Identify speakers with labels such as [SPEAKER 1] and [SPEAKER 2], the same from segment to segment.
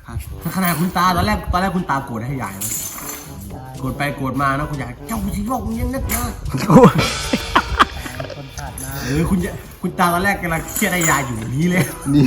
[SPEAKER 1] ครับขนาดคุณตาตอนแรกคุณตาโกรธให้ยายนะโกรธไปโกรธมานะคุณยายเจ้าสิบอกยังนักนะ
[SPEAKER 2] คนขาดน้
[SPEAKER 1] คุณตาตอนแรกกำลังเครียดให้ยายอยู่นี้เลย
[SPEAKER 3] นี่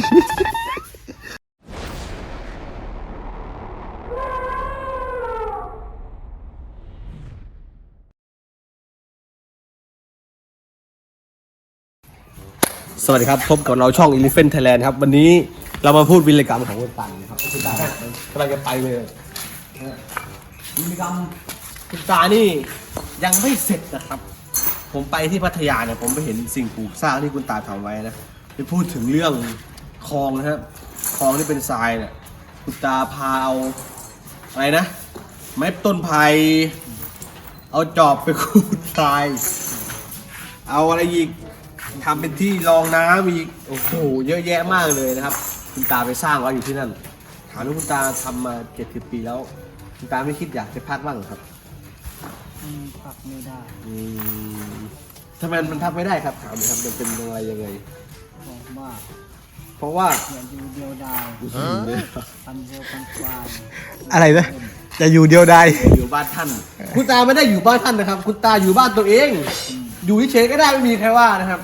[SPEAKER 1] สวัสดีครับพบกับเราช่อง Elephant Thailand ครับวันนี้เรามาพูดวีรกรรมของคุณตานะครับคุณตากำลังจะไปเลยวีรกรรมคุณตานี่ยังไม่เสร็จนะครับผมไปที่พัทยาเนี่ยผมไปเห็นสิ่งปลูกสร้างที่คุณตาทำไว้นะไปพูดถึงเรื่องคลองนะครับคลองที่เป็นทรายเนี่ยคุณตาพาเอาอะไรนะไม้ต้นไผ่เอาจอบไปขูดทรายเอาอะไรอีกทำเป็นที่รองน้ำอีกโอ้โหเยอะแยะมากเลยนะครับคุณตาไปสร้างไว้อยู่ที่นั่นถามว่าคุณตาทำมา70 ปีแล้วคุณตาไม่คิดอยากจะพักบ้างครับ
[SPEAKER 2] พักไม่ได้
[SPEAKER 1] ทำไมมันพักไม่ได้ครับถามหน่อยครับมันเป็นอะไรยังไง
[SPEAKER 2] เพราะว่า
[SPEAKER 1] อ
[SPEAKER 2] ย่าอยู่เดียวดายทำเดียวกันควาย
[SPEAKER 3] อะไรนะจะอยู่เดียวดาย
[SPEAKER 1] อยู่บ้านท่านคุณตาไม่ได้อยู่บ้านท่านนะครับคุณตาอยู่บ้านตัวเองอยู่เฉยๆก็ได้ไม่มีใครว่านะครับ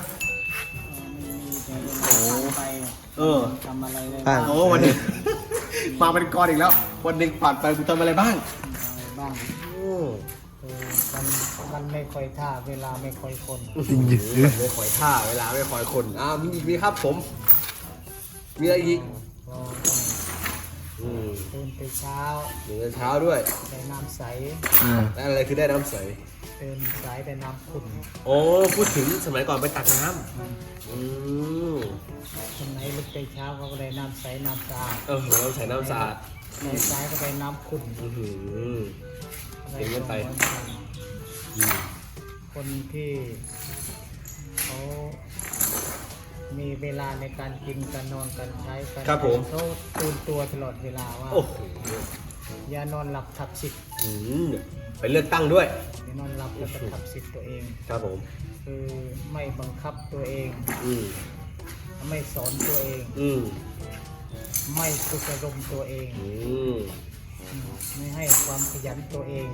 [SPEAKER 2] ทำอะไรได้
[SPEAKER 1] โอ้วันนี้มาเป็นกรอีกแล้ววันหนึ่งผ่านไปคุณทำอะไรบ้าง
[SPEAKER 2] มันไม่ค่อยท่าเวลาไม่ค่อยคน
[SPEAKER 1] ไม่ค่อยท่าเวลาไม่ค่อยคนมีอีกมีครับผมมีอะไรอีก
[SPEAKER 2] ตื่นแต่เช้า
[SPEAKER 1] ด้วย
[SPEAKER 2] ได้น้ำใส
[SPEAKER 1] ได้อะไรคือได้น้ำใส
[SPEAKER 2] ตื่นสายได้น้ำขุ่น
[SPEAKER 1] โอ้พูดถึงสมัยก่อนไปตักน้ำ
[SPEAKER 2] คนไหนลุกแต่เช้าเขาก็ได้น้ำใสน้ำสะอาด
[SPEAKER 1] น้ำใสน้ำสะอาด
[SPEAKER 2] ในสายก็ได้น้ำขุ่น
[SPEAKER 1] เก่งกันไป
[SPEAKER 2] คนที่เขามีเวลาในการกินการนอนการใช้การเขาตื่นตัวตลอดเวลาว่าอย่านอนหลับทับสิทธิ์
[SPEAKER 1] ไปเลือกตั้งด้วย
[SPEAKER 2] อย่านอนหลับแล้วก็ทับสิทธิ์ตัวเอง
[SPEAKER 1] ครับผม
[SPEAKER 2] คือไม่บังคับตัวเองไม่สอนตัวเองไม่ฝึกอารมณ์ตัวเองไม่ให้ความขยันตัวเอง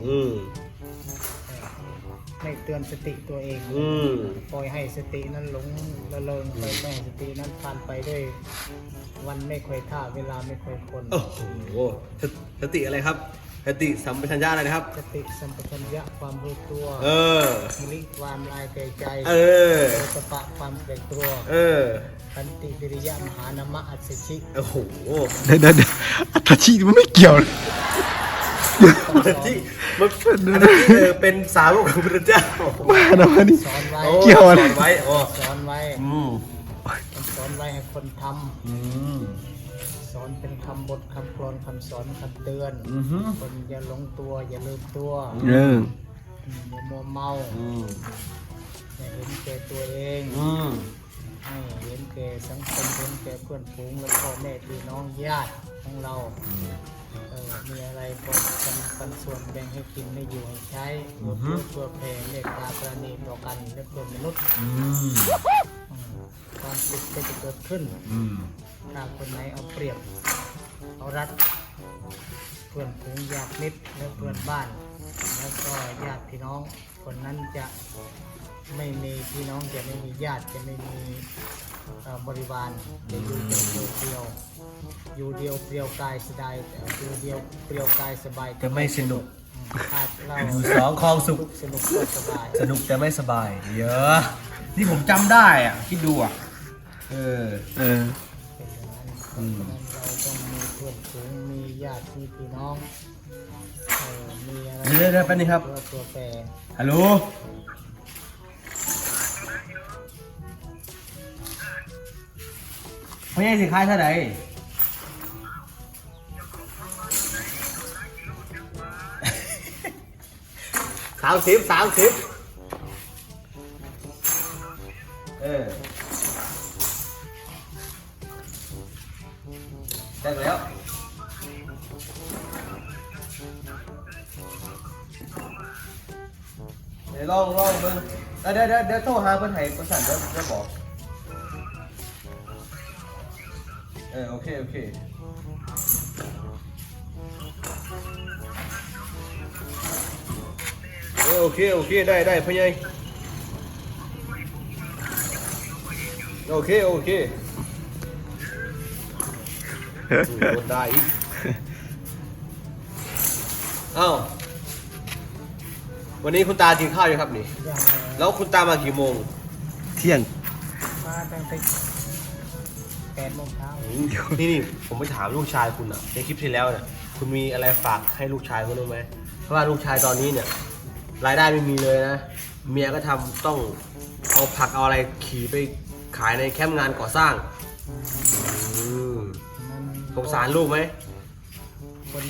[SPEAKER 2] ไม่เตือนสติตัวเองปล่อยให้สตินั้นหลงละเลงไปไม่ให้สตินั้นผ่านไปด้วยวันไม่ค่อยท่าเวลาไม่ค่อยคน
[SPEAKER 1] โอ้โหสติอะไรครับสติสัมปชัญญะอะไรนะครับ
[SPEAKER 2] สติสัมปชัญญะความรู้ตัวมิลิความลายใจสปะความเกรงกลัวขันติวิริยะมหานามะอัศชิ
[SPEAKER 1] โอ้โห
[SPEAKER 3] เดี๋ยวอัศชิมันไม่เกี่ยว
[SPEAKER 1] อัศชิมันเป็นสาวกของพระเจ้า
[SPEAKER 3] มาหนามนี่
[SPEAKER 2] สอนไว้
[SPEAKER 3] เกี่ยวอะไร
[SPEAKER 2] สอนไว้ให้คนทำสอนเป็นคำบทคำกลอนคำสอนคำเตือนคนอย่าหลงตัวอย่าลืมตัวอย่ามัวเมาอย่าเห็นแก่ตัวเองให้เห็นแก่สังคมเห็นแก่เพื่อนฝูงและพ่อแม่พี่น้องญาติของเรามีอะไรก็กันส่วนแบ่งให้กินไม่อยู่ให้ใช้เพื่อแผ่เมตตาปราณีต่อกันและเพื่อมนุษย์ความสุขก็จะเกิดขึ้นถ้าคนไหนเอาเปรียบเอารัดเพื่อนฝูงญาติมิตรและเพื่อนบ้านแล้วก็ญาติพี่น้องคนนั้นจะไม่มีพี่น้องจะไม่มีญาติจะไม่มีบริวารจะอยู่เดียวอยู่เดียวเปลี่ยวกายสบายอยู่เดียวเปลี่ยวกายสบาย
[SPEAKER 1] จะไม่สนุก
[SPEAKER 2] เรา
[SPEAKER 1] อยู่สองคลองสุข
[SPEAKER 2] สนุกก็สบาย
[SPEAKER 1] สนุกแต่ไม่สบายเยอะนี่ผมจำได้อ่ะคิดดูอ่ะ
[SPEAKER 2] เราต้องมีเพื่อนฝูงมีญาติมีพี่น้องมีอะไร
[SPEAKER 1] เดี๋ยวแป๊บนึงครับ
[SPEAKER 2] ตัวแปร
[SPEAKER 1] ฮัลโหลพ่อใหญ่สิขายเท่าไหร่30ได้แล้วเดี๋ยวลองเบิ่งเดี๋ยวโทรหาเพิ่นให้ประสานเดี๋ยวบอกโอเคโอเคได้พ่อใหญ่โอเคโดนได้อีกเอ้าวันนี้คุณตากินข้าวยังครับนี่
[SPEAKER 2] ยัง
[SPEAKER 1] แล้วคุณตามากี่โมง
[SPEAKER 3] เที่ยง
[SPEAKER 2] มาตั้งแต่8 โมงเช้า
[SPEAKER 1] นี่ผมไปถามลูกชายคุณอะในคลิปที่แล้วเนี่ยคุณมีอะไรฝากให้ลูกชายคุณรู้ไหมเพราะว่าลูกชายตอนนี้เนี่ยรายได้ไม่มีเลยนะเมียก็ต้องเอาผักเอาอะไรขี่ไปขายในแคมป์งานก่อสร้าง
[SPEAKER 2] มัน
[SPEAKER 1] สงสารลูกไหม
[SPEAKER 2] คน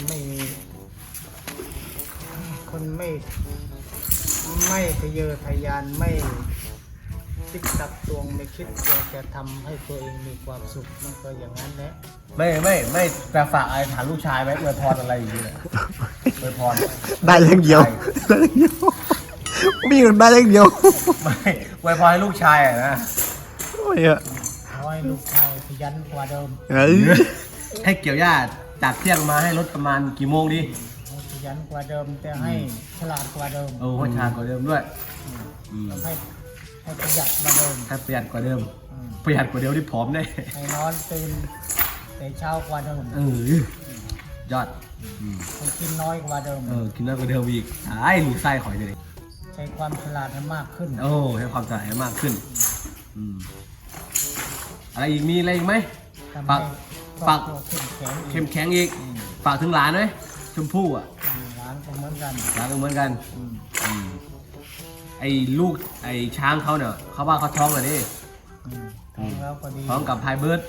[SPEAKER 2] ไม่ทะเยอทะยานไม่คิดตักตวงไม่คิดว่าจะทำให้ตัวเองมีความสุขมันก็อย่างนั้นแหละ
[SPEAKER 1] ไม่แต่ฝากอะไรถามลูกชายไหมอวยพรอะไรอย่างเงี้ยอวยพร
[SPEAKER 3] ได้เรื่องเดียวได้เรื่องเดียวมีเงินได้เรื่องเดียว
[SPEAKER 1] ไม่อวยพรให้ลูกชายอะนะ
[SPEAKER 3] โอ้ยอะ
[SPEAKER 2] ขอให้ลูกชายขยันกว่าเดิม
[SPEAKER 3] เอ้ย
[SPEAKER 1] ให้เกี่ยวหญ้าจากเที่ยงมาให้รถประมาณกี่โมงดี
[SPEAKER 2] ให้ขยันกว่าเดิมแต่ให้ฉลาดกว่าเดิม
[SPEAKER 1] โอ้ให้ชากว่าเดิมด้วย
[SPEAKER 2] ให้ประหยัดกว่าเดิม
[SPEAKER 1] ให้ประหยัดกว่าเดิม
[SPEAKER 2] อืม
[SPEAKER 1] ประหยัดกว่าเดิมที่ผอมได้
[SPEAKER 2] ให้นอนตื่นแต่เช้ากว่าเดิม
[SPEAKER 1] ยอด
[SPEAKER 2] ให้กินน้อยกว่าเดิม
[SPEAKER 1] กินน้อยกว่าเดิมอีกไอ้ลูกไส้ขอยเลย
[SPEAKER 2] ใช้ความฉลาดให้มากขึ้น
[SPEAKER 1] โอ้ให้ความสะอาดมากขึ้นอะไรอีกมีอะไรอีกไหม
[SPEAKER 2] ทำ
[SPEAKER 1] ฝาก
[SPEAKER 2] ให้คร
[SPEAKER 1] ฝา
[SPEAKER 2] อก บครัวเข้มแข็ง
[SPEAKER 1] เข้มแข็งอีกฝากถึงหลานไหมชมพู่อ่ะ
[SPEAKER 2] ร้านก็เหมือนกัน
[SPEAKER 1] หลานก็เหมือนกัน
[SPEAKER 2] อืม
[SPEAKER 1] ไอ้ลูกไอ้ช้างเขาเนี่ยเขาว่าเขาท้องเลยดิ
[SPEAKER 2] ท้องแล้วก็ดี
[SPEAKER 1] ท้องกับไฮเบิร์ด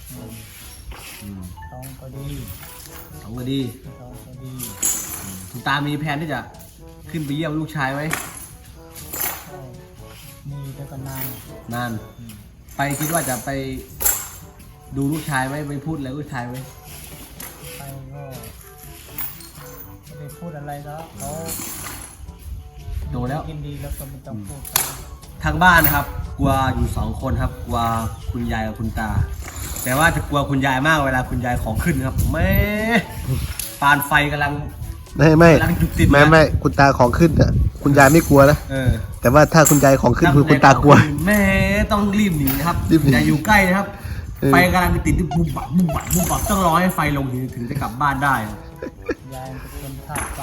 [SPEAKER 2] ท้องก็ดี
[SPEAKER 1] ท้องก็ดี
[SPEAKER 2] ท้องก็ดี
[SPEAKER 1] คุณตามีแผนที่จะขึ้นไปเยี่ยมลูกชายไหม
[SPEAKER 2] ก็มีแต่ก็นาน
[SPEAKER 1] นานไปคิดว่าจะไปดูลูกชายไหมไปพูดอะไรลูกชายไหม
[SPEAKER 2] ไปก็ไม่ได้พูดอะไรแล้วเขา
[SPEAKER 1] โตแล้ว
[SPEAKER 2] ยินดีแล้วก็ไม่ต้องพูดกัน
[SPEAKER 1] ทางบ้านนะครับ กลัวอยู่2 คนครับกลัวคุณยายกับคุณตา แต่ว่าจะกลัวคุณยายมากเวลาคุณยายของขึ้นครับแม่ปานไฟกำลัง
[SPEAKER 3] ไม่
[SPEAKER 1] กำลังจุดติดนะ
[SPEAKER 3] ไม่คุณตาของขึ้นอ่ะคุณยายไม่กลัวนะ แต่ว่าถ้าคุณยายของขึ้นคือคุณตากลัว
[SPEAKER 1] แม่ต้องรีบหนีนะครับ
[SPEAKER 3] รีบหนี
[SPEAKER 1] อย่าอยู่ใกล้นะครับ
[SPEAKER 3] เออ
[SPEAKER 1] ไฟกำลังติดที่บุบบับต้องรอให้ไฟลงถึงจะกลับบ้านได้ครับ
[SPEAKER 2] ยายเป็นคนธาตุไฟ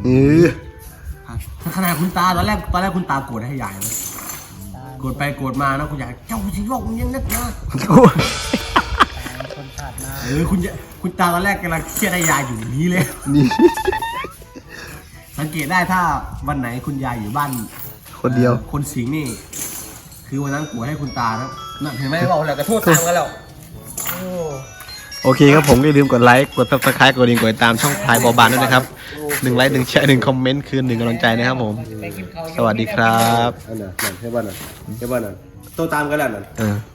[SPEAKER 1] ขนาดคุณตาตอนแรกคุณตาโกรธให้ยายนะ
[SPEAKER 2] ตา
[SPEAKER 1] โกรธไปโกรธมานะคุณยายเจ้าสิโลกมันยังนักนะ
[SPEAKER 2] เป็นคนธาตุน้
[SPEAKER 1] คุณตาตอนแรกกำลังเครียดให้ยายอยู่อย่างนี้เลย
[SPEAKER 3] นี่
[SPEAKER 1] สังเกตได้ถ้าวันไหนคุณยายอยู่บ้าน
[SPEAKER 3] คนเดียว
[SPEAKER 1] คนสิงห์นี่ คือวันนั้นโกรธให้คุณตานะนั่นเห็นไหมบอกแล้วกระโทษตังกันแล้ว
[SPEAKER 2] ำโอ้
[SPEAKER 3] โอเคครับผมก็อย่าลืมกดไลค์กด subscribe กดดิ่งกดติดตามช่องพลายบอบานด้วยนะครับ1 ไลค์ 1 แชร์ 1 คอมเมนต์คือ1 กำลังใจนะครับผม
[SPEAKER 2] ไปกินข้าว
[SPEAKER 3] สวัสดีครับ
[SPEAKER 1] อันนั้นใช่บ้านนั้นโตตามกันแล้วนั่น
[SPEAKER 3] เออ